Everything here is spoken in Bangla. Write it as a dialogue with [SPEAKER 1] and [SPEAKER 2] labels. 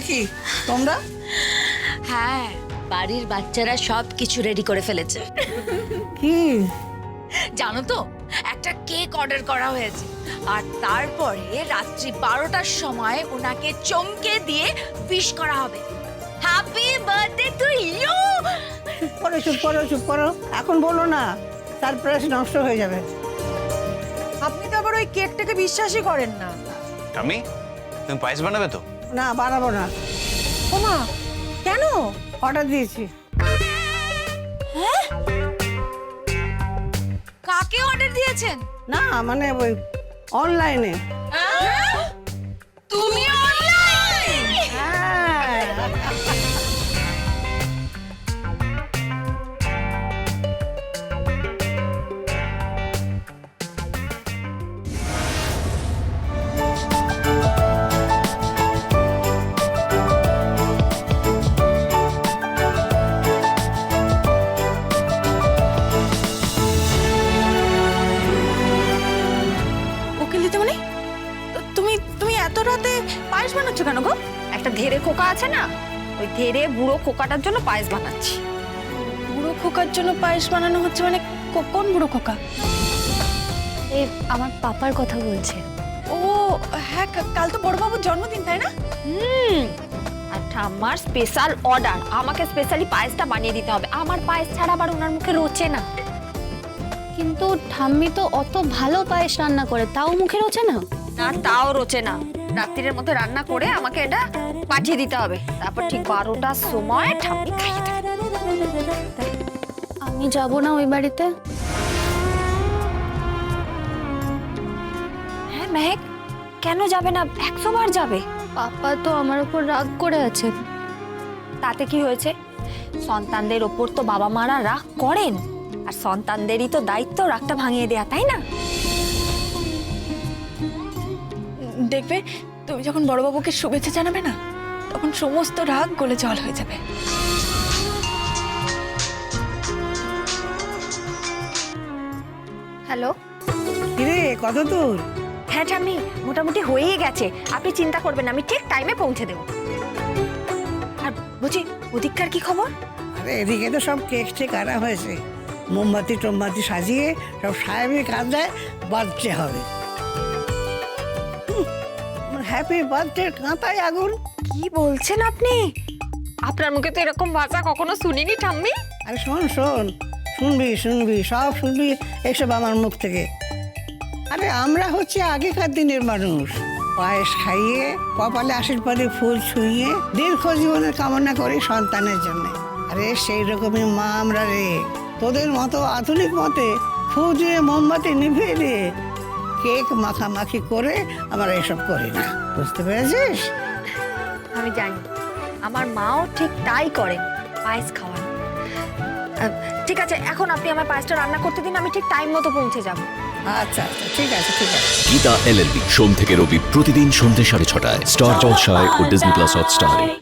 [SPEAKER 1] কি তোমরা?
[SPEAKER 2] হ্যাঁ, বাড়ির বাচ্চারা সব কিছু রেডি করে ফেলেছে।
[SPEAKER 1] কি
[SPEAKER 2] জানো তো, একটা কেক অর্ডার করা হয়েছে, আর তারপরে রাত্রি 12টার সময় ওনাকে চমকে দিয়ে উইশ করা হবে। Happy birthday to you.
[SPEAKER 1] চুপ করো চুপ করো, এখন বলো না, সারপ্রাইজ নষ্ট হয়ে যাবে।
[SPEAKER 3] আপনি তো আবার ওই কেকটাকে বিশ্বাসই করেন না।
[SPEAKER 4] আমি তুমি পায়েস বানাবে তো?
[SPEAKER 1] না, বানাবো না।
[SPEAKER 3] ওমা, কেন?
[SPEAKER 1] অর্ডার দিয়েছি।
[SPEAKER 2] কাকে অর্ডার দিয়েছেন?
[SPEAKER 1] না মানে ওই অনলাইনে।
[SPEAKER 2] তুমি অনলাইনে?
[SPEAKER 1] হ্যাঁ।
[SPEAKER 3] উকিল দিদিমণি, তুমি তুমি এত রাতে পায়েস বানাচ্ছ কেন গো?
[SPEAKER 5] একটা ধেড়ে খোকা আছে না, ওই ধেড়ে বুড়ো খোকাটার জন্য পায়েস বানাচ্ছি।
[SPEAKER 3] বুড়ো খোকার জন্য পায়েস বানানো হচ্ছে মানে কোন বুড়ো খোকা?
[SPEAKER 5] এই আমার পাপার কথা বলছে।
[SPEAKER 3] ও হ্যাঁ, কাল তো বড়বাবুর জন্মদিন, তাই না?
[SPEAKER 5] আর ঠাম্মার স্পেশাল অর্ডার, আমাকে স্পেশালি পায়েসটা বানিয়ে দিতে হবে। আমার পায়েস ছাড়া আবার ওনার মুখে রোচে না।
[SPEAKER 6] কিন্তু ঠাম্মি তো অত ভালো পায়েস রান্না করে, তাও মুখে রোচে না।
[SPEAKER 5] না, তাও রোচে না। রাত্রির মধ্যে রান্না করে আমাকে এটা পাঠিয়ে দিতে হবে, তারপর ঠিক 12টার সময় ঠাম্মি খাইয়ে দেবে।
[SPEAKER 6] আমি যাব না ওই বাড়িতে।
[SPEAKER 5] হ্যাঁ মেহেক, কেন যাবে না? 100 বার যাবে।
[SPEAKER 6] পাপা তো আমার উপর রাগ করে আছে।
[SPEAKER 5] তাতে কি হয়েছে? সন্তানদের ওপর তো বাবা মারা রাগ করেন, আর সন্তানদেরই তো দায়িত্ব রাগটা ভাঙিয়ে দেয়া, তাই না?
[SPEAKER 3] দেখবে, তুমি যখন বড়বাবুকে শুভেচ্ছা জানাবে না, তখন সমস্ত রাগ গলে জল হয়ে যাবে।
[SPEAKER 5] হ্যালো।
[SPEAKER 1] কিরে, কত দূর?
[SPEAKER 5] হ্যাঁ ঠাম্মি, মোটামুটি হয়েই গেছে। আপনি চিন্তা করবেন না, আমি ঠিক টাইমে পৌঁছে দেবো। আর বুঝি ওদিককার কি খবর?
[SPEAKER 1] আরে এদিকে তো সব কেক টেক আনা হয়েছে, মোমবাতি টোমবাতি সাজিয়ে সব সাহেবের কাঁদায় বার্থডে হবে। হ্যাপি বার্থডে কাঁথায় আগুন।
[SPEAKER 5] কি বলছেন আপনি? আপনার মুখে তো এরকম ভাষা কখনো শুনিনি ঠাম্মি।
[SPEAKER 1] আরে শোন শোন, শুনবি শুনবি, সব শুনবি এসব আমার মুখ থেকে। আরে আমরা হচ্ছে আগেকার দিনের মানুষ, পায়েস খাইয়ে কপালে আশীর্বাদে ফুল ছুঁয়ে দীর্ঘ জীবনের কামনা করি সন্তানের জন্য। আরে সেই রকমই মা আমরা রে। তোদের মতো আধুনিক মতে ফু দিয়ে মোমবাতি নিভিয়ে দিয়ে কেক মাখামাখি করে আমরা এসব করি না, বুঝতে পেরেছিস?
[SPEAKER 5] আমি জানি, আমার মাও ঠিক তাই করেন, পায়েস খাওয়ান। ঠিক আছে, এখন আপনি আমার পায়েসটা রান্না করতে দিন, আমি ঠিক টাইম মতো পৌঁছে যাব।
[SPEAKER 1] আচ্ছা আচ্ছা, ঠিক আছে ঠিক আছে।
[SPEAKER 7] গীতা LLB সোম থেকে রবি প্রতিদিন সন্ধ্যে 6:30টায় স্টার জলসায় ও ডিজনি প্লাস হটস্টারে।